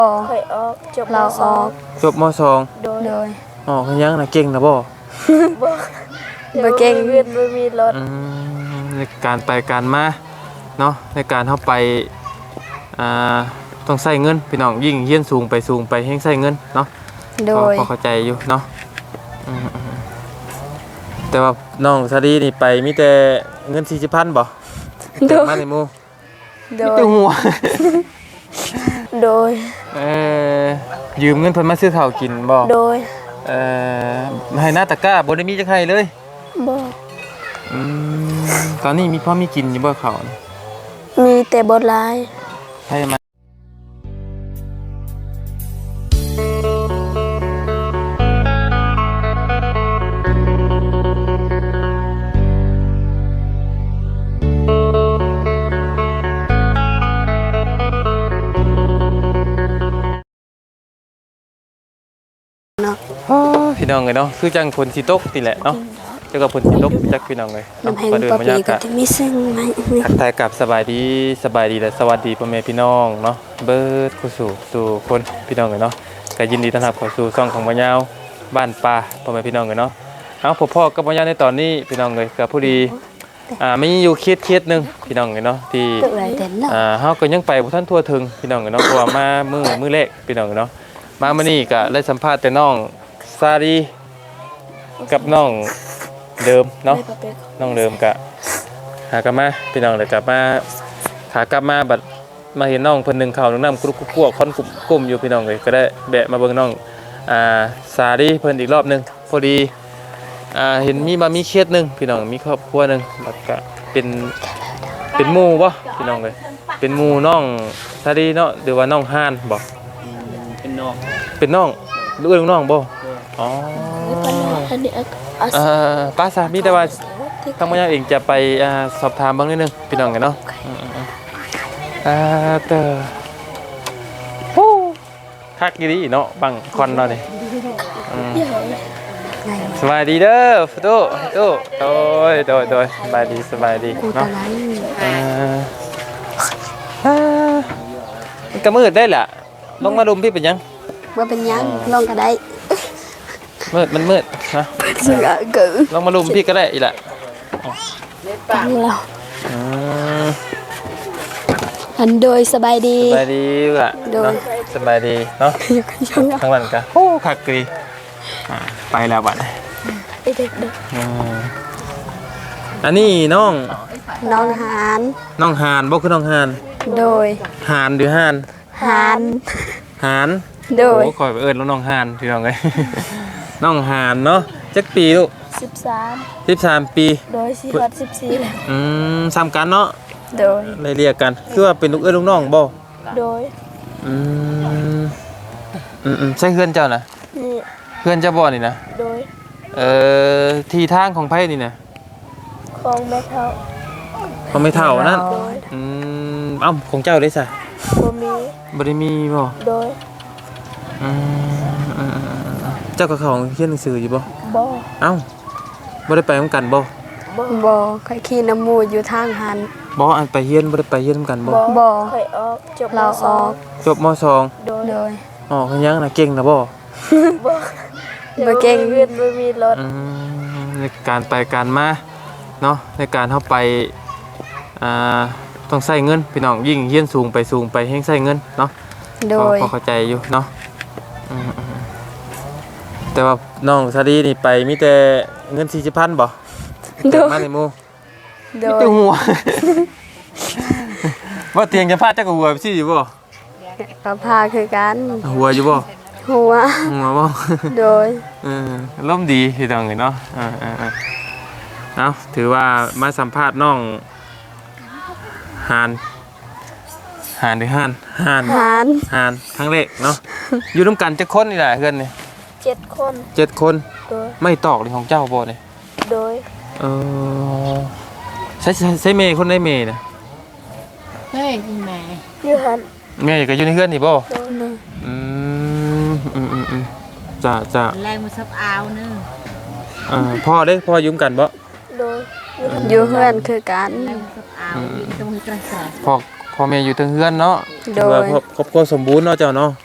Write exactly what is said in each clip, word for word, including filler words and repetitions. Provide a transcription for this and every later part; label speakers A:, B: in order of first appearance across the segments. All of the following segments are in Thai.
A: เคยออกจบม
B: เรา
A: ส
B: อ
A: อ
B: อง ก
C: จบมสอง
A: โดย
B: โดย
C: อ๋อคือยังน่ะเก่งนะบ่
A: บ่
B: บ่เก่ง
A: เวียนบ่มีรถ
C: อืมในการไปการมาเนาะในการเข้าไปอ่าต้องใช้เงินพี่น้องยิ่งเฮียนสูงไปสูงไปแฮงใช้เงินเนาะ
B: โด
C: พอย พอเข้าใจอยู่เนาะอืมๆแต่ว่าน้องซาดีนี่ไปมีแต่เงินสี่สิบพันบ่
B: โด
C: เกิด
B: ย
C: มาในหมู่
B: โด
C: มี
B: ย
C: แต่หัว
A: โดย
C: เอ่อยืมเงินเพิ่นมาซื้อข้าวกินบ่
A: โดย
C: เอ่อให้หน้าตะกร้าบ่ได้มีจักให้เลย
A: บ่
C: อืมตอนนี้มีพอมีกินอยู่บ่ข้าวนี่
A: มีแต่บ่หลาย
C: ให้มาโอ้ยพี่น้องเอ้ยเนาะคือจังฝนสิตกนี่แหละเนาะเจ้าก็ฝนสิตกจักพี่น้องเอ้ยเนาะ
B: น้ำแห้ง
C: ก็เดิน
B: ปะ
C: บรร
B: ปี
C: ยา
B: ก็
C: กาศ
B: จะมีซึ่งไหม
C: ทักทายกับสบายดีสบายดีและสวัสดีพ่อแม่พี่น้องเนาะเบิดคู่สู่สู่คนพี่น้องเลยเนาะก็ยินดีต้อนรับเข้าสู่ช่องของบ่ยาวบ้านป่าพ่อแม่พี่น้องเลยเนาะเอาพ่อพ่อกับบ่ยาวในตอนนี้พี่น้องเลยก็ผู้ดีอ่ามีอยู่เคสเคสหนึงพี่น้องเลยเนาะที่
B: ตึกไรเต็นเนาะ
C: อ่าเฮาก็ยังไปบ่ทันทั่วถึงพี่น้องเลยเนาะเพราะว่ามามื้อมื้อแรกพี่น้องเลยเนาะมามื้อนี้ก็ได้สัมภาษณ์แต่น้องซาดีกับน้องเดิมเนาะ น้องเดิมกะหากลับมาพี่น้องเลยกลับมาขากลับมาบัดมาเห็นน้องเพิ่นหนึ่งเข่าวหนึ่งน้ำกรุกกลัวคอนกลุ่มกลุ่มอยู่พี่น้องเลยก็ได้แบะมาเบิ่งน้องอ่าสาดีเพิ่นอีกรอบหนึงพอดีอ่าเห็นมีมามีเคสหนึงพี่น้องมีครอบครัวหนึงบัดก็เป็นเป็นหมู่บ่พี่น้องเลยเป็นหมู่น้องสาดีเนาะหรือว่าน้องฮานบ่
D: เป็นน้อง
C: เป็นน้องหรือว่าน้องบ่อ๋อ
A: อันนี้อา
C: อ่าป้าสามีแต่ว่า ทางมายาเองจะไปอ่าสอบถามบ้างนิดนึงพี่น้องกันเนาะอืมๆอ่าเตอโอ้คักดีเนาะบังควันเราเนี่ยอืมสบายดีเด้อฟุตุฟุตุโดยโดยโดยสบายดีสบายดี
B: กูตะ
C: เนาะ
B: ไล
C: อ่าอ่ามันก็มืดได้แหละลงมาดุมพี่เป็นยัง
B: ว่าเป็นยังลองก็ได้
C: มืดมันมืดนะ
B: ซึ่งอ่ะกื
C: ลงมาดุมพี่ก็ได้อีกแหละ
B: ปันเรา
C: อืม
B: อันโดยสบายดี
C: สบายดีล่ะ
B: โดย
C: เนาะสบายดีเนาะ
B: อยู่กันช่วง
C: ข้างหลังกันโอ้คักดีอ่าไปแล้วบัด
A: ไอ้เด็ก
C: อ่าอันนี้น้อง
B: น้องหาน
C: น้องหานบ่คือน้องหาน
B: โดย
C: หานหรือหาน
B: หาน
C: หาน
B: โดย
C: โอ้คอยไปเอิ้นแล้วน้องหานพี่น้องเอ้ย น้องหานเนาะจักปีลูก
A: สิบสาม
C: สิบสามปี
A: โดยสี่วัดสิบสี่แล้ว
C: อืมซ้ำกันเนาะ
B: โดย
C: เลยเรียกกันคือว่าเป็นลูกเอ้ยลูกน้องบ่
A: โดย
C: อืมอืมอืมใช่เพื่อนเจ้านะ
A: นี่
C: เพื่อนเจ้าบ่นี่นะ
A: โดย
C: เอ่อที่ทางของไผนี่นะ
A: ของแม่เท่า
C: เขาไม่เท่านั่น
A: โดย
C: อืมเอ้าของเจ้าได้ซะ
A: บ่มี
C: บ่ได้มีบ่
A: โดย
C: อืมอืมอืมอืมเจ้ากับเขาเขียนหนังสืออยู่บ่
A: บ่
C: เอ้าบ่ได้ไปนำกันบ่
A: บ่
B: บ่เคยขี่น้ำมูดอยู่ทางหัน
C: บ่อันไปเฮียนบ่ได้ไปเฮียนนำกันบ่
B: บ่
A: เคยออกจบม
B: เรา
A: ส
B: อ
A: อ
B: อง ก
C: จบมสอง
A: โดย
B: โดย
C: อ๋อคือยังน่ะเก่งนะบ่
A: บ่
B: บ่เก่ง
A: เวียนบ่มีรถ
C: อืมในการไปการมาเนาะในการเข้าไปอ่าต้องใช้เงินพี่น้องยิ่งเฮียนสูงไปสูงไปแฮงใช้เงินเนาะ
B: โด
C: พอย พอเข้าใจอยู่เนาะอืมอืมแต่ว่าน้องซาดีนี่ไปมีแต่เงินสี่สิบพันบ่
B: โด
C: เกิด
B: ย
C: มาในหมู่
B: โด
C: มี
B: ย
C: แต่หัว ว่าเตียงจะพาดจักหัวไปสิอยู่บ่
B: ก็พาคือกัน
C: หัวอยู่บ่
B: หัว
C: หัวบ่
B: โดย
C: เออร่มดีพี่น้องเนาะเออเออเออเอาถือว่ามาสัมภาษณ์น้องหานหานหรือหานหาน
B: หาน
C: หานครั้งแรกเนาะ อยู่ร่วมกันจักคนนี่แหละเพื่อนนี่
A: เจ็ดคน
C: เจ็ดคน
A: โดย
C: ไม่ตอกเลยของเจ้าบ่เนี่ย
A: โดย
C: เออใช้ใช้ใช้เมย์คนได้เมย์นะ
D: เฮ้ยคุณแม่
A: อยู่หัน
C: เมย์ก็อยู่ในเพื่อนนี่บ่
A: โดย
C: อืมอืมอืมอืมจ้าจ้า
D: แรงมันซับเอาเนึง
C: เอ่อพ่อเด้พ่อยุ่งกันบ่
A: โดยอยู่หัน
B: อยู่เพื่อนคือกัน
D: แรงมันซับเอาอยู่ตรงกระแส
C: พ่อพ่อแม่อยู่ทั้งเพื่อนเนาะ
B: โดย
C: ถือว่าครอบครอบครัวสมบูรณ์เนาะเจ้าเนาะ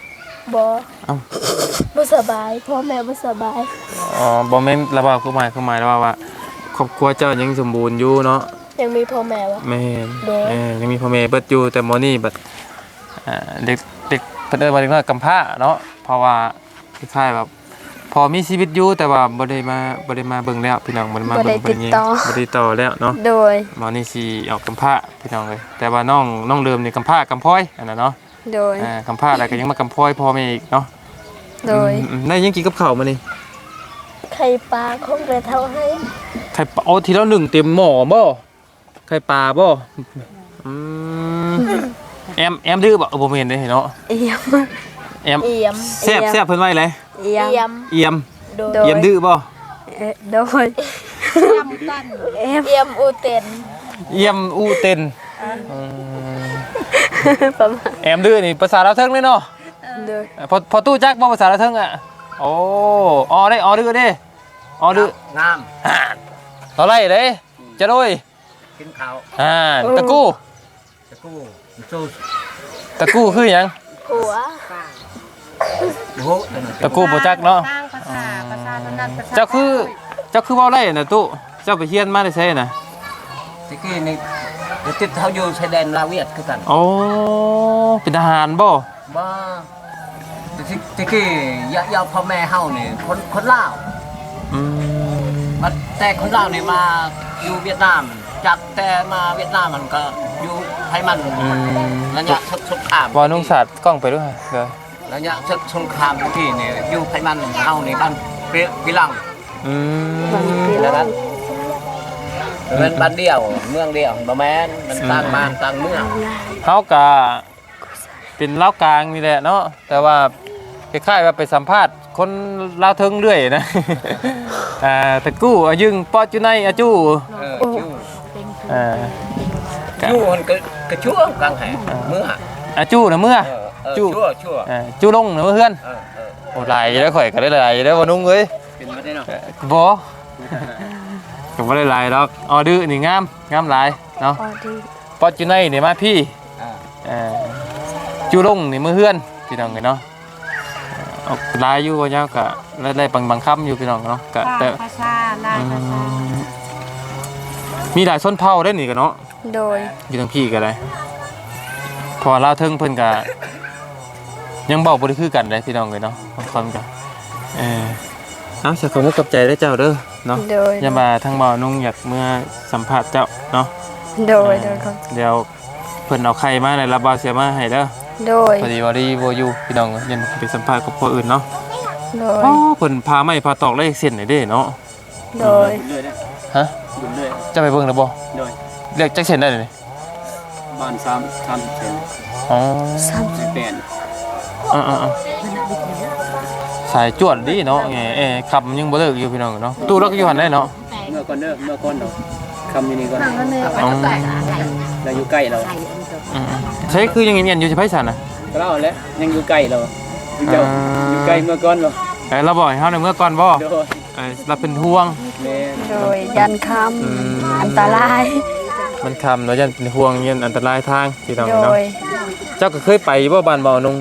A: บ่
C: เอ้า
A: บ่สบายพ่อแม่บ่สบาย
C: อ๋อบ่แม่นระบาคือหมายคือหมายแล้วว่าว่าครอบครัวเจ้ายังสมบูรณ์อยู่เนาะ
A: ยังมีพ่อแม่วะ
C: แม่น
A: โดย
C: เออยังมีพ่อแม่เบิดอยู่แต่หมอนี่บัดอ่าเด็กเด็กเพิ่นเอิ้นว่าเด็กน้อยกำพร้าเนาะเพราะว่าคล้ายๆแบบพอมีชีวิตอยู่แต่ว่าบ่ได้มาบ่ได้มาเบิ่งแล้วพี่น้องบ่ได้มา
B: บ่
C: เบิ่
B: ได้
C: ง
B: ติดต่อ
C: บ่ได้ติดต่อแล้วเนาะ
B: โดย
C: หมอนี่สิออกกำพร้าพี่น้องเลยแต่ว่าน้องน้องเดิมนี่กำพร้ากำพร้อยอันนั้นเนาะ
B: โดย
C: อ่ากำพร้าแล้วก็ยังมากำพร้อยพ่อแม่อีกเนาะ
B: โดย
C: อืมๆได้ยังกินกับข้าวมานี่
A: ไข่ปลาของแม่เท่าให้
C: ไข่ปลาเอาทีละหนึ่งเต็มหม้อบ่ไข่ปลาบ่อืมแอมแอมดื้อบ่เออบ่แม่นเด้เนาะ
B: เอียม
C: แอม
A: เอี่ยม
C: แซ่บแซ่บเพิ่นไว้เลย
B: เอียม
A: เอี่ยม
C: เอี่ยม
A: โดย
B: โดย
C: เอี่ยมดื้อบ่
B: เอ่อโดย
D: จำกัน
B: เอียม
A: เอี่ยมอูเต็น
C: เอี่ยมอูเต็นอืม
B: ประมาณ
C: แอมดื้อนี่ภาษาลาวเทิงเลยเนาะ
B: โดย
C: พอพอตู้จักบ่ภาษาลาวเทิงอ่ะโอ้ออได้ออดื้อเด้ออดื้อง
E: าม
C: ห่านเท่าไหร่เด้จะโดย
E: กินข้าว
C: ห่านตะกู้
E: ตะกู้สู้
C: ตะกู้คือหยัง
A: ผัว
E: โหตะน
C: ตะกู้บ่จักเนาะ
D: สร้างภาษาภาษาถนัดภาษา
C: เจ้าคือเจ้าคือเว้าได้น่ะตู้เจ้าไปเรียนมาได้ไสน่ะ
E: ตะกี้นี่เดี๋ยวติดเขาอยู่ชายแดนลาวเวียดคือกัน
C: โอ้เป็นทหารบ่
E: บ่ตะกี้ตะกี้ยะยาพ่อแม่เฮานี่คนคนลาว
C: อืม
E: มาแต่คนลาวนี่มาอยู่เวียดนามจากแต่มาเวียดนามมันก็อยู่ไทยมัน
C: อืม
E: ระยะศึกสงคราม
C: บ่นุ่งสาดกล้องไปด้วยเด้อ
E: ระยะศึกสงครามตะกี้นี่อยู่ไทยมันเฮานี่บ้านเปรียวิลัง
C: อืม
E: แล้วนั้นมันบ้านเดียวเมืองเดียวบ่แม่นมันต่างบ้านต่างเมือง
C: เฮาก็เป็นลาวกลางนี่แหละเนาะแต่ว่าคล้ายๆว่าไปสัมภาษณ์คนลาวเทิงเรื่อยนะ อ่าตะกู้อายึงปอจุไนอาจู
E: เออชู้
C: อ่า
E: ชู้มันก็กระชั่วกลางแห่เมื่อ
C: อาจูน่ะเมื่อ
E: เออเออ
C: จู้
E: ชั่วชั่ว
C: อ่าจูลงน่ะเมื่อเฮือน
E: เออเออ
C: โอ้หลายแล้วข่อยก็ได้หลายแล้วบ่นุ่งเอ้ย
E: เป็นมาได้เนาะ
C: บ่ก็บ่ได้หลายดอกออดื้อนี่งามงามหลายเนาะ
B: พอดี
C: ปอจุไนนี่มาพี่
E: อ่า
C: เอ่อจูลงนี่มือเฮือนพี่น้องเอ้ยเนาะเออกลายอยู่ว่าเจ้าก็ได้ได้บางบางคำอยู่พี่น้องเนาะก็แต่
D: ภาษาลายภาษา
C: มีหลายชนเผ่าได้นี่กันเนาะ
B: โดย
C: อยู่ทางพี่ก็ได้พอลาวเทิงเพิ่นก็ยังบอกบ่ได้คือกันเลยพี่น้องเอ้ยเนาะบางคนก็เออเอาสักคำกับใจได้เจ้าเด้อเนาะ
B: โดย
C: อย่ามาทางบ่าวนุ่งอยากเมื่อสัมภาษณ์เจ้าเนาะ
B: โดยโดยครับ
C: เดี๋ยวเพิ่นเอาไข่มาในรับบ่าวเสียมาให้เด้อ
B: โดย
C: พอดีว่าดีบ่อยู่พี่น้องยันไปสัมภาษณ์กับคนอื่นเนาะ
B: โดย
C: อ๋อเพิ่นพาไม้พาตอกเลขเส้นให้เด้เนาะ
B: โดย
E: เลยนะ
C: ฮะ
E: บุญเลย
C: จะไปเบิ่งแล้วบ่
E: โดย
C: เลขจักเส้นได้นี่
E: บ้านสามสามสิบเซน
C: อ๋อ
B: สาม
E: สิบแปด
C: อ่าๆๆสายจวดดีเนาะแหมเอ้ขับมันยังบ่เลิกอยู่พี่น้องเนาะตู้เราก็อยู่หั่นได้เนาะ
E: เมื่อก่อนเด้อเมื่อก่อนเนาะคำนี้นี่ก่อน
C: อ๋อ
E: เราอยู่ใกล้เรา
C: อืมๆใช่คือยังเงียนๆอยู่สิไผสันน่ะ
E: ก็เล่าแล้วยังอยู่ใกล้เราอยู่เจ้าอยู่ใกล้เมื่อก่อนเรา
C: เอ้ยเราบอกให้เฮาในเมื่อก่อนบ่
E: โดย
C: เอ้ยเราเป็นห่วง
E: แม่
B: โดยยันค
C: อืม
B: ำอันตราย
C: มันคำเนาะยันเป็นห่วงยันอันตรายทางพี่น้อง
B: โด
C: เนาะ
B: ย
C: เจ้าก็เคยไปบ่บ้านบ่อนุ่ง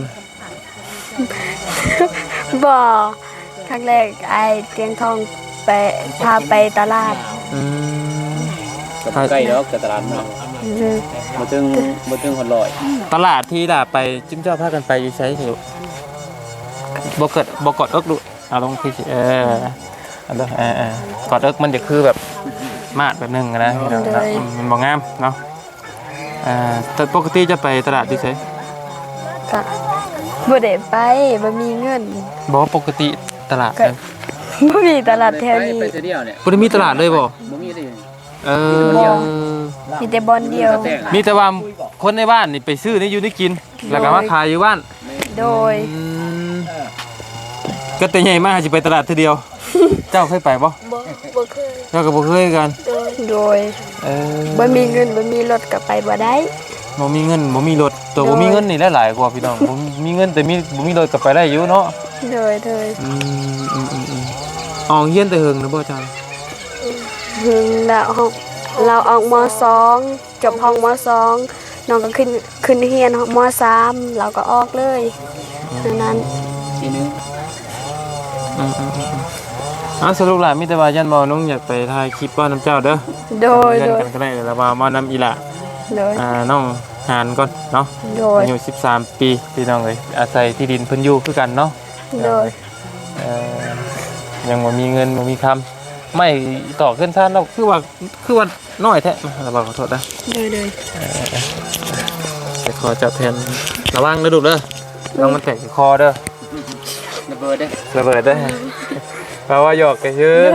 B: บ่ครั้งแรกไอเตียงทองไปพาไปตลาด
C: อืม
E: ก็ใกล้แล้วกับตลาดเนาะ
B: โดย
E: มาถึงมาถึงหอดลอย
C: ตลาดที่ด่าไปจิ้มเจ้าพากันไปอยู่ใช้สิบ่เกิดบ่กอดเอิกดูเอาลงที่สิเอออันเด้อเออเออกอดเอิกมันจะคือแบบมาดแบบหนึงอะนะพี่น้องเนาะอืมมันบ่งามเนาะเอ่อแต่ปกติจะไปตลาดอยู่ไส
B: ก็บ่ได้ไปบ่มีเงิน
C: บ่ปกติตลาด
B: ก็
C: นะ
B: บ่มีตลาดแถวนี้
E: ไปเดียวเนี่ย
C: บ่ได้มีตลาดเลยบ่
E: บ่มีเลย
C: เออ
B: มีแต่บอลเดียว
C: มีแต่ว่าคนในบ้านนี่ไปซื้อนี่อยู่นี่กิน แล้วก็มาขายอยู่บ้าน
B: โดย
C: อืมก็แต่ใหญ่มากสิไปตลาดทีเดียว เจ้าเคยไปบ่
A: บ่บ่เคย
C: เจ้าก็บ่เคยกัน
A: โดย
B: โดย
C: เออ
B: บ่มีเงินบ่มีรถก็ไปบ่ได้
C: บ่มีเงินบ่มีรถตัวบ่มีเงินนี่หลายๆกว่าพี่น้องบ่มีเงินแต่มีบ่มีรถก็ไปได้อยู่เนาะ
B: โดยโดย
C: อืมอืมอืมอืมออกเฮียนแต่เฮิงนะบ่จ้า
B: หึงแล้วห้องเราออกมสองจบห้องมสองน้องก็ขึ้นขึ้นเรียนมสามเราก็ออกเลยดังนั้น
C: อ
E: ทีนึง
C: อืมอืมอืมอ่ะสรุปหล่ะมีแต่ว่ายันบ่น้องอยากไปถ่ายคลิปว่าน้ำเจ้าเด้อ
B: โดย
C: เพื่อน
B: โดย
C: กันก็ได้แล้วว่ามานำอีหละ
B: โดย
C: อ่าน้องหานก่อนเนาะ
B: โดย
C: อายุสิบสามปีพี่น้องเอ้ยอาศัยที่ดินเพิ่นอยู่คือกันเนาะ
B: โดย
C: เอ่อยังบ่มีเงินบ่มีคำไม่ต่อขึ้นท่านเราคือว่าคือว่าน้อยแท้มาเราบอกขอโทษนะ
B: โดยโดย
C: จะขอจับแทนระวังนะลูกเด้อต้องมันแตกที่คอเด้อ
E: ระเบิดเด้อ
C: ระเบิดได้อแปลว่าหยอกกันชื่อ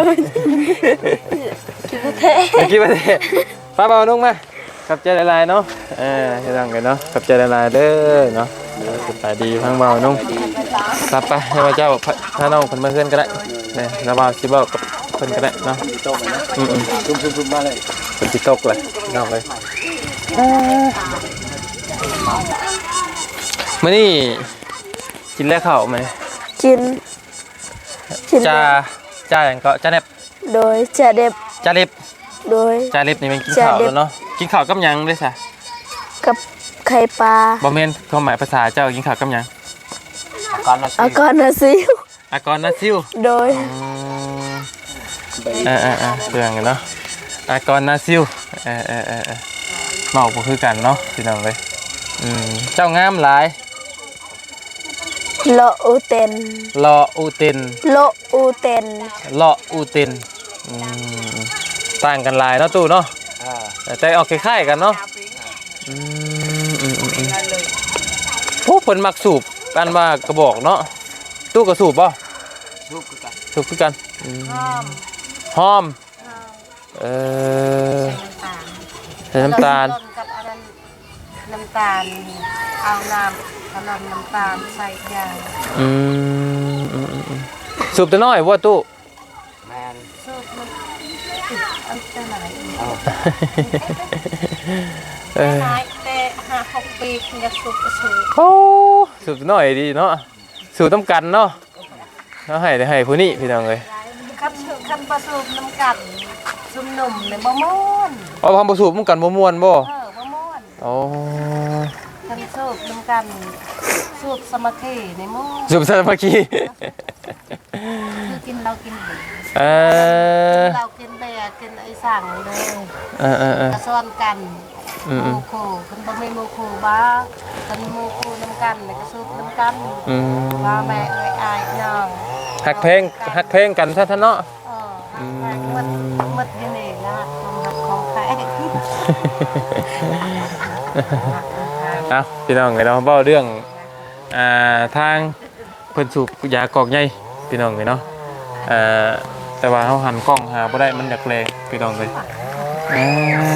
C: เมื่อกี้ประเทศป้าเบานุ่งมาขับใจละลายเนาะเออจะดังกันเนาะขับใจละลายเด้อเนาะสบายดีพังเบานุ่งรับไปให้พระเจ้าถ้าน้องคนมาเพื่อนก็ได้เนี่ยระบาดสิเบากับคนก็ได้เนาะ
E: โต๊ะนะ
C: อืมอืม
E: ซุ่มๆๆมาเลย
C: เป็นติตกเลยน้องเลยมื่อนี้กินแล้วข้าวไหม
B: กินกิน
C: จ้าจ้าอย่างก็จ้าเน็บ
B: โดยจะเด็บ
C: จ้าเล็บ
B: โดย
C: จ้าเล็บนี่มันกินข้าวแล้วเนาะกินข้าวกับหยังด้วยซะ
B: กับไข่ปลา
C: บอมเมนความหมายภาษาเจ้ากินข้าวกับหยัง
E: ก่อนนะ
B: อากรนาซิว
C: อากรนาซิว
B: โดย
C: อืมเออเออเออเรื่องกันเนาะอากรนาซิวเออเออเออเออเมาก็คือกันเนาะพี่น้องเลยอืมเจ้างามหลาย
B: โลอูเตน
C: รออูเต็น
B: โลอูเตน
C: รออูเต็นอืมต่างกันหลายเนาะตู้เนาะ
E: อ่า
C: แต่ออกคล้ายๆกันเนาะอืมอืมอืมอืมโอ้เพิ่นมักสูบกันว่ากระบอกเนาะตู้ก็สูบป่ะ
E: ซุปกัน
C: สูบคือกันอืม
D: หอม
C: หอมเออใส่น้ำตาล
D: ต้นกับอันนั้นน้ำตาลเอาน้ำกระลอนน้ำตาลใส่ยาง
C: อืมอืมอืมอืมสูบแต่น้อยว่าตู้
E: แมน
D: สูตรมันอันเป็นอะไรอีก
E: เอา
C: เออ
D: น้อยแต่ห้าหกปีคุณจะสูบก็สูบ
C: โอ้สูบแต่น้อยดีเนาะสูบต้องกันเนาะเอาให้ได้ให้ผู้นี้พี่น้องเลย
D: คันสูบคันประสูบน้ำกัดซุ่มหนุ่มในบ่ม่วน
C: เอาความประสูบมันกันบ่ม่วนบ่
D: เออบ่ม่วน
C: โอ้
D: คันสูบน้ำกันสูบสมาธิในม่วน
C: สูบสามัคคี
D: คือกินเรากินเบียร์
C: เออ
D: เรากินเบียร์กินไอ้สั่งเลย
C: เออเออเออก
D: ระซ้อนกัน
C: อืม
D: โมโคคันบ่มีโมโคบ้าคันโมโคน้ำกันแล้วก็สูบน้ำกัน
C: อืม
D: ว่าแม่เอ้ยอายน้อง
C: หักเพลงหักเพลงกันซะท่านเนาะ
D: เออหมดหมดอยังนี่นะของหักของใคร
C: เอาพี่น้องเดี๋ยวเราเบ้าเรื่องอ่าทางเพิ่นสูบยากอกใหญ่พี่น้องเลยเนาะเอ่อแต่ว่าเขาหันกล้องหาบ่ได้มันอยากแรงพี่น้องเลยอ่า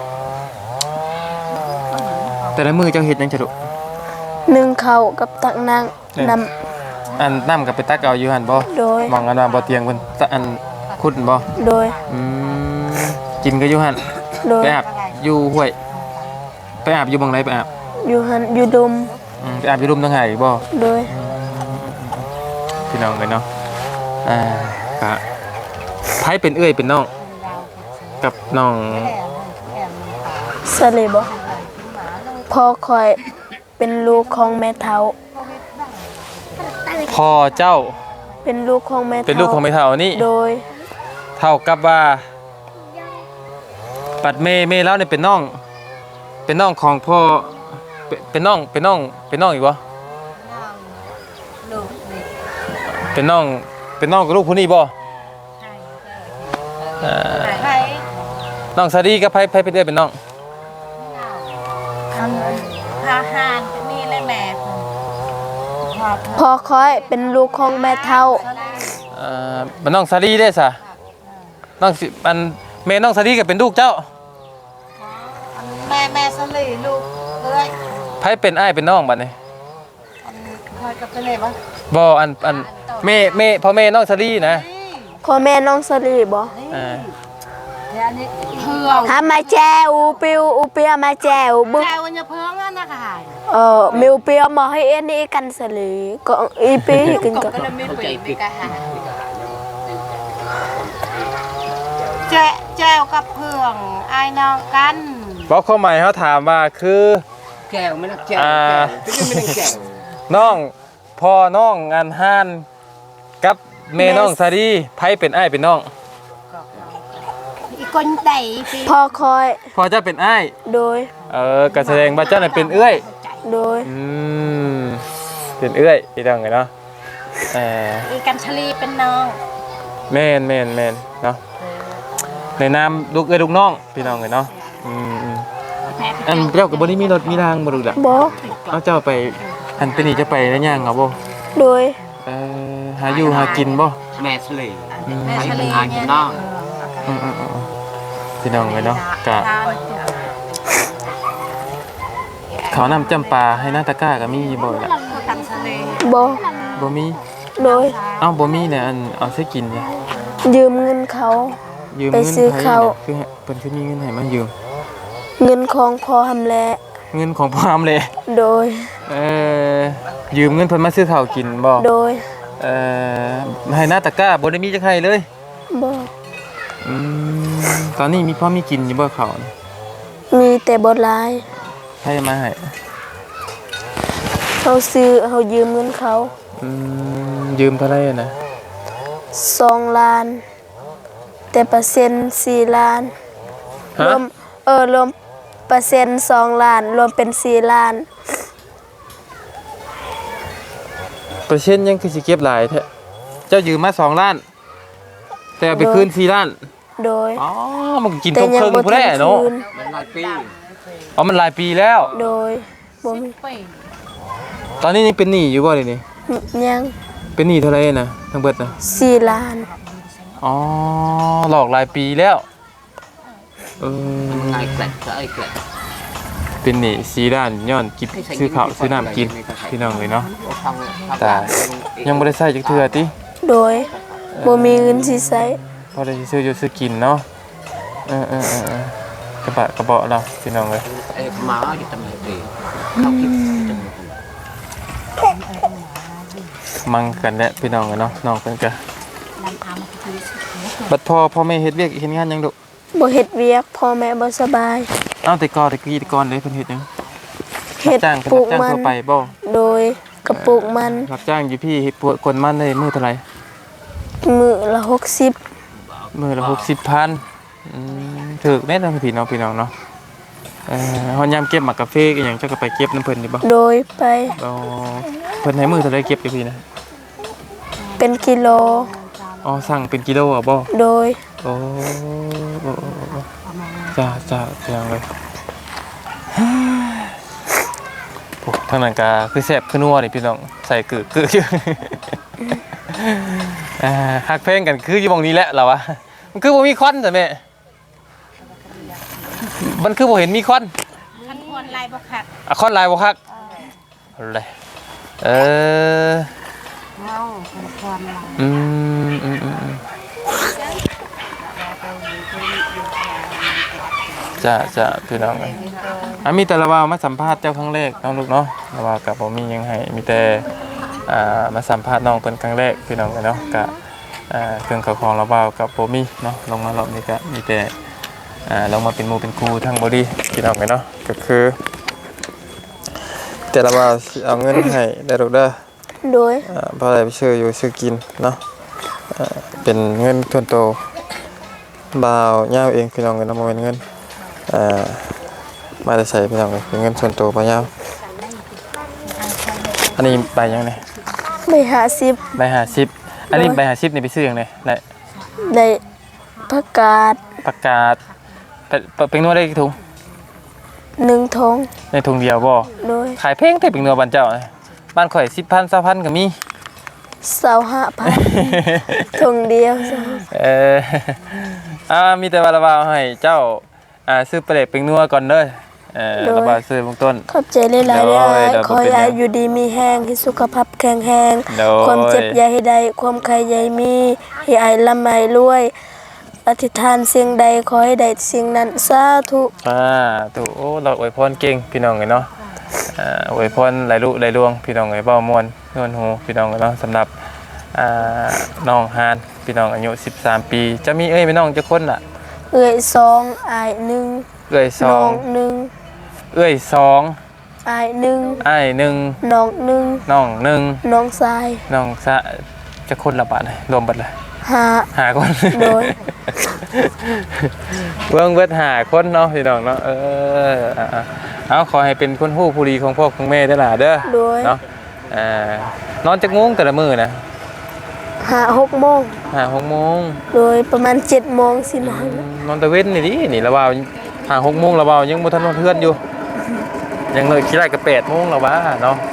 C: แต่ละมือเจ้าเฮ็ดหยังจะดุ
B: นึ่งข้าวกับตักนางน
C: อันน้ำกับไปตักเอาอยู่หันบ่
B: ำโดย
C: มองกันว่าบ่เตียงเพิ่นตะอันขุดบ่
B: โดย
C: อืมกินก็อยู่หัน
B: โดย
C: ไปอาบอยู่ห้วยไปอาบอยู่บังไหนไปอาบ
B: อยู่หันอยู่ดม
C: อืมไปอาบอยู่รุมทางไหนบ่
B: โดย
C: พี่น้องเลยเนาะอ่าก็ไผเป็นเอื้อยเป็นน้องกับน้อง
B: สเลบพ่อคอยเป็นลูกของแม่เฒ่า
C: พ่อเจ้า
B: เป็นลูกของแม่เฒ่า
C: เป็นลูกของแม่เฒ่านี่
B: โดย
C: เท่ากับว่าปัดเมเมแล้วเนี่ยเป็นน้อง เป็นน้องของพ่อเป็นเป็นน้องเป็นน้องเป็นน้องอีกวะ
D: ลูกนี่
C: เป็นน้องเป็นน้องกับลูกผู้นี้บ่เอ่อ
D: ใคร
C: น้องซาดีกับไผไผเป็นเอื้อยเป็นน้อง
D: ทำทหารที่นี่เลยแม่พอ
B: พ่อคอยเป็นลูกของแม่เฒ่า
C: เอ่อเป็นน้องซาดีได้ซะน้องสิอันแม่น้องซาดีก็เป็นลูกเจ้า
D: แม่แม่สลีลูกเอ้ย
C: ไผเป็นอ้ายเป็นน้องบัดนี้
D: อันคอยกับเป็นไงบ้าง
C: บ่อันอันแม่แม่พ่อแม่น้องซาดีนะ
B: พ่อแม่น้องสลีบ่
C: อ่า
D: เดี๋ยวนี้เพื่อง
B: หามาแจอูปิวอูเปียมาแจวบึก
D: แกวันจะเพื่องอ่ะนะค่ะ
B: เออมิวเปียมาให้เอ็นนี่กันสลีก็อีปีกันก็
D: ก็เลยไม่ปีปีกะหาแจ้แจ้วกับเพื่องไอ้น้องกัน
C: บอกข้อหมายเขาถามว่าคือ
E: แก้วไม่นักแก้ว
C: อ่า
E: แก้วไม่นักแก้ว
C: น้องพ่อน้องงานห้านกับแม่น้องซาดีไผเป็นอ้ายเป็นน้อง
D: อีกคนใดพี่
B: พ่อคอย
C: พ่อเจ้าเป็นอ้าย
B: โดย
C: เออก็แสดงว่าเจ้าน่ะเป็นเอื้อย
B: โดย
C: อืมเป็นเอื้อยพี่น้องไงเนาะเออ
D: อีกันชลีเป็นน้อง
C: แม่นแม่นแม่นเนาะในนามลูกเอ้ยลูกน้องพี่น้องไงเนาะอืมอืม
D: แม่
C: อันเจ้าก็บ่ได้มีรถมีรางบ่ดูล่ะ
B: บ่
C: เอาเจ้าไปอันเป็นนี่จะไปได้ย่างเอาบ่
B: โดย
C: เออหาอยู่หากินบ่
E: แม่สลี
D: แม่
E: ไป
D: ช
E: เป็
D: ลี
E: นหากิ
D: เนี่
E: น
D: ย
E: น้อง
C: อืมอืมอืมพี่น้องไงเนาะกะเขาวนำจำปาให้หน้าตะกร้าก็มีบ่ล่ะ
D: กันชลี
B: บ่
C: บ่มี
B: โดย
C: เอ้าบ่มีเนี่ยอันเอาใช้กินจ้ะ
B: ยืมเงินเขา
C: ยืม
B: ไป
C: เงิน
B: ซื้อ
C: ไผ
B: ข้าว
C: เนี่ยคือให้เพิ่นคือมีเงินให้มายืม
B: เงินของพ่อทำแล
C: เงินของพามเลย
B: โดย
C: เอ่อยืมเงินเพิ่นมาซื้อข้าวกินบ่
B: โดย
C: เอ่อให้หน้าตะกร้าบ่ได้มีจักให้เลย
B: บ่
C: อืมตอนนี้มีพอมีกินอยู่บ่ข้าวนี่
B: มีแต่บ่หลาย
C: ให้มาให้
B: เขาซื้อเขายืมเงินเขา
C: อืมยืมเท่าไหร่อะนะ
B: สองล้าน แต่เปอร์เซ็นต์สี่ล้านร
C: ฮะ
B: วมเออรวมเปอร์เซ็นต์สองล้าน รวมเป็นสี่ล้าน
C: เปอร์เซ็นต์ยังคือสิเก็บหลายแท้เจ้ายืมมาสองล้าน แต่เอาไปคืนสี่ล้าน
B: โดย
C: อ๋อมันก็กิน
B: แต่
C: ทง
B: ยั
C: เคิง
B: บ่
C: พุ่น
B: ทั
C: แห
B: น
C: ละเนาะ
B: คืน
E: เป็นหลายปี
C: อ๋อมันหลายปีแล้ว
B: โดยบ่มี
C: ตอนนี้ยังเป็นหนี้อยู่บ่เลยนี่
B: ยัง
C: เป็นหนี้เท่าไหร่นะทั้งเบิดนะ
B: สี่ล้าน
C: อ๋อหลอกหลายปีแล้วเออ
E: ไอ้เกล็ดก็ไอ้เกล็ด
C: เป็นหนี้สีด้านย้อนกินซื้อข้าวซื้อน้ำกินพี่น้องเลยเนาะแต่ยังบ่ได้ใช้จักเทื่อติ
B: โดยบ่มีเงินสิใช้
C: พอได้ซื้ออยู่ซื้อกินเนาะเออเออเออเออกระบะกระเบาะเราพี่น้องเลย
E: ไอ้หมาอยู่ตำแหน่งดีเขาคิดจัง
C: มังกันแหละพี่น้องเลยเนาะน้องเพิ่นก็บัดพ่อพ่อแม่เฮ็ดเวียกเฮ็ดงานหยังดุ
B: บ่เฮ็ดเวียกพ่อแม่บ่สบาย
C: เอ้าแต่ก่อนแต่กี้แต่ก่อนเลยเพิ่นเฮ็ดหยัง
B: เฮ็ด
C: รับจ้างเพิ่น
B: ปลู
C: รั
B: ก
C: บจ้าง
B: มัน
C: ทั่วไปบ่
B: โดยกระปุกมัน
C: รับจ้างอยู่พี่เฮ็ดปวดคนมันได้มื้อเท่าไหร่
B: มื้อละหกสิบ
C: มื้อละหกสิบพันอืมถูกแน่นอนพี่น้องพี่น้องเนาะเอ่อเฮายามเก็บหมากกาแฟอีหยังเจ้าก็ไปเก็บน้ำเพิ่นอยู่บ่
B: โดยไป
C: อ๋อเพิ่นให้มื้อเท่าไหร่เก็บอยู่พี่นะ
B: เป็นกิโล
C: อ๋อสั่งเป็นกิโลอ่ะบ่
B: โดย
C: โอ้โอ้โอ้โอ้จ้าจ้าพี่น้องเลยโอ้ทางนั้นก็คือแซ่บคือนัวนี่พี่น้องใส่กึกกึกอยู่ อ่าฮักเพลงกันคืออยู่หม่องนี้แหละเราอะมันคือบ่มีควันจ้ะแม่มันคือบ่เห็นมีควัน
D: ขันควรลายบ่คัก
C: อะคอนลายบ่คักอะไรเออ
D: เมาขันควรลาย
C: อืมอืมอืมอืมจ้าจ้าพี่น้องกันอ่ะมีแต่ละว่ามาสัมภาษณ์เจ้าครั้งแรกน้องลูกเนาะละว่ากับผมมีหยังให้มีแต่อ่ามาสัมภาษณ์น้องเป็นครั้งแรกพี่น้องกันเนาะกะอ่าเครื่องเขาของละว่ากับผมมีเนาะลงมารอบนี้ก็มีแต่อ่าลงมาเป็นหมู่เป็นครูทั้งบอดี้พี่น้องกันเนาะก็คือ แต่ละว่าสิเอาเงินให้ได้ลูกเด้อ
B: โดย
C: อ่าเพราะอะไรไปซื้ออยู่ซื้อกินเนาะอ่าเป็นเงินส่วนโตวบ่าวย่าวเองพี่น้องกันเนาะบ่แม่นเงินอ่ามาได้ใช้พี่น้องกันเป็นเงินส่วนโตวบ่าวย่าวอันนี้ใบยังไง
B: ไม่หาสิบ
C: ใบห้าสิบอันนี้ใบห้าสิบนี่ไปซื้อยังไงได้
B: ได้ผักกาด
C: ประกาศไปไปเป็นนวดได้กี่ถุง
B: หนึ่งทง
C: ในถุงเดียวบ่
B: โดย
C: ขายเพลงแต่เป็นนวดบ้านเจ้าน่ะบ้านข่อยสิบพันสามพันก็มี
B: เสาห้าพันทงเดียว
C: เอออ่ามีแต่ว่าระบาวให้เจ้าอ่าซื้อปลาเล็กเป็นนัวก่อนเด้อเออระบาวซื้อเบื้องต้น
B: ขอบใจหลายๆ
C: โด
B: เด้
C: ย
B: อ
C: โดย
B: ขอให้อายุดีมีแห้งให้สุขภาพแข็งแรง
C: โดย
B: ความเจ็บอย่าให้ได้ความใครอย่าให้มีให้อายลำไห้รวยอธิษฐานสิ่งใดขอให้ได้สิ่งนั้นสาธุ
C: อ่าถูกโอ้เราอวยพรเก่งพี่น้องเลยเนาะอ่าอวยพรหลายลุหลายดวงพี่น้องเลยเบ้ามวนนวลหูพี่น้องเลยเนาะสำหรับอ่าน้องฮานพี่น้องอายุสิบสามปีจะมีเอ้ยพี่น้องจะคนล่ะ
B: เอื้อยสองอายหนึ่ง
C: เอ้ยส
B: น้
C: อ
B: อง งหนึ่ง
C: เอ้ยสอง
B: อายหนึ่ง
C: อ้ายหนึ่ง
B: น้องหนึ่ง
C: น้องหนึ่ง
B: น้องชาย
C: น้องสะจะคนละบาทเลยรวมเบัดเลย
B: หา
C: หาคน
B: โดย
C: เบิ่งเบิดหาคนเนาะพี่น้องเนาะเอออ่ะๆเอาขอให้เป็นคนฮู้ผู้ดีของพ่อของแม่เด้อล่ะเด้อ
B: โดย
C: เนาะอ่านอนจักโมงแต่ละมื้อนะ
B: หาหกโมง
C: ห้าหกโมง
B: โดยประมาณเจ็ดโมงสินอน
C: นอนตะเว้นนี่ดินี่ละว่าห้าหกโมงละว่ายังบ่ทันนอนเทือนอยู่ยังเลยคิดได้ก็แปดโมงละว่าเนาะ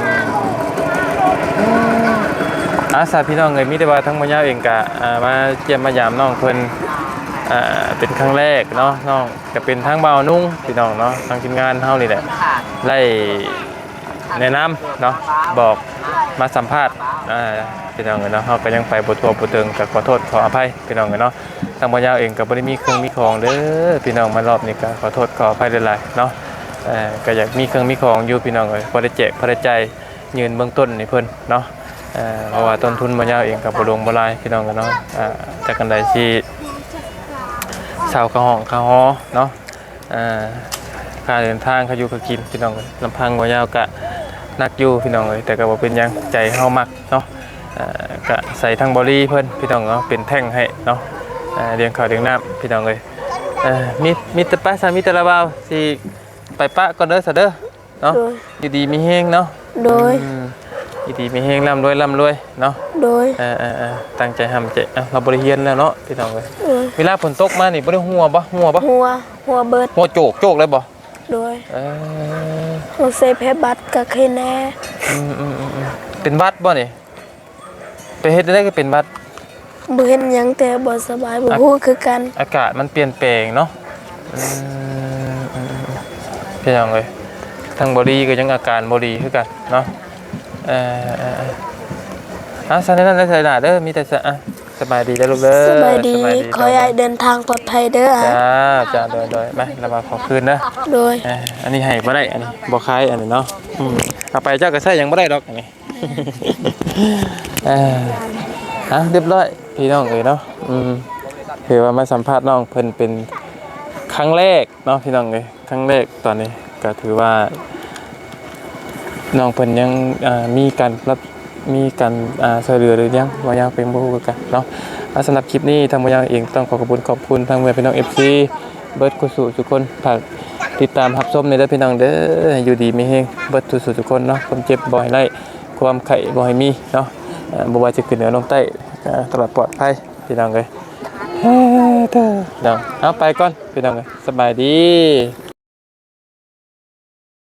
C: อืมอาสาพี่น้องเอ้ยมีแต่ว่าทั้งบ่ยาวเองก็อ่ามาเยี่ยมมายามน้องเพิ่นอ่าเป็นครั้งแรกเนาะน้องก็เป็นทางบ่าวนุ่งพี่น้องเนาะทางทีมงานเฮานี่แหละไล่แนะนำเนาะบอกมาสัมภาษณ์อ่าพี่น้องเอ้ยเนาะเฮาก็ยังไปบ่ทั่วบ่ถึงก็ขอโทษขออภัยพี่น้องเอ้ยเนาะทางบ่ยาวเองก็บ่ได้มีเครื่องมีของเด้อพี่น้องมารอบนี้ก็ขอโทษขออภัยหลายๆเนาะเอ่อก็อยากมีเครื่องมีของอยู่พี่น้องเอ้ยพอได้แจกพอได้ใจายยืนเบื้องต้นให้เพิ่นเนาะเอ่อเพราะว่าต้นทุนบ่ยาวเองก็บ่ลงบ่หลายพี่น้องเอ้ยเนาะอ่าจากกันใดที่ชาวกะห้องกะฮอเนาะอ่าค่าเดินทางค่าอยู่ค่ากินพี่น้องเอ้ยลำพังบ่ยาวก็หนักอยู่พี่น้องเอ้ยแต่ก็บ่เป็นหยังใจเฮามักเนาะอ่าก็ใส่ทางบริเพิ่นพี่น้องเนาะเป็นแท่งให้เนาะอ่าเลี้ยงข้าวเลี้ยงน้ำพี่น้องเอ้ยเอ่อมีมีแต่ป้าสามีแต่ละบ่าวสิไปปะก่อนเด้อซะเด้อเนาะ
B: โดย
C: อยู่ดีมีแฮงเนาะ
B: โดย
C: อืมอยู่ดีมีแฮงร่ำรวยร่ำรวยเนาะ
B: โดย
C: เออๆๆตั้งใจทำใจอ่ะเราบ่ได้เรียนแล้วเนาะพี่น้องเอ้ย
B: โดย
C: เวลาฝนตกมานี่บ่ได้หัวบ่หัวบ่
B: หัวหัวเบิด
C: หัวโจกโจกเลยบ่
B: โดย
C: เออ
B: หัวเซเพบัตรกับใครแน่
C: อืมๆๆเป็นหวัดบ่นี่ไปเฮ็ดได้ก็เป็นหวัด
B: บ่เห็นหยังแต่บ่สบายบ่ฮู้คือกัน
C: อากาศมันเปลี่ยนแปลงเนาะอืมอืมพี่น้องเลยทั้งบอดีก็ยังอาการบอดีคือกันเนาะเออเออเอออ่ะสันนั้นได้ใส่หนาเด้อมีแต่สะอ่ะสบายดีแล้วลูกเด้อ
B: สบายดีขอให้เดินทางปลอดภัยเด้ออ่ะ
C: จ้าจ้าโดยโดยมาเรามาขอคืนนะ
B: โดย
C: เอออันนี้ให้บ่ได้อันนี้บ่คายอันนี้เนาะอืมเอาไปเจ้าก็ใส่ยังบ่ได้ดอกอันนี้ เอออ่ะเรียบร้อยพี่น้องเอ้ยเนาะอืมถือว่ามาสัมภาษณ์น้องเพิ่นเป็นครั้งแรกเนาะพี่น้องเอ้ยครั้งแรกตอนนี้ก็ถือว่าน้องเพิ่นยังอ่ามีการรับมีการอ่าช่วยเหลือหรือยังบ่ยังเป็นบ่ฮู้คือกันเนาะอ่ะสำหรับคลิปนี้ทางบ่ยังเองต้องขอขอบคุณขอบคุณทางเพื่อนพี่น้อง เอฟ ซี เบิดกุสุทุกคนฝากติดตามรับชมในเด้อพี่น้องเด้ออยู่ดีมีแฮงเบิดทุกทุกคนเนาะความเจ็บบ่ให้ไล่ความไข้บ่ให้มีเนาะอ่าบ่ว่าจะขึ้นเหนือลงใต้อ่าตลอดปลอดภัยพี่น้องเอ้ยเฮ้อเด้อเนาะเอาไปก่อนพี่น้องเอ้ยสบายดี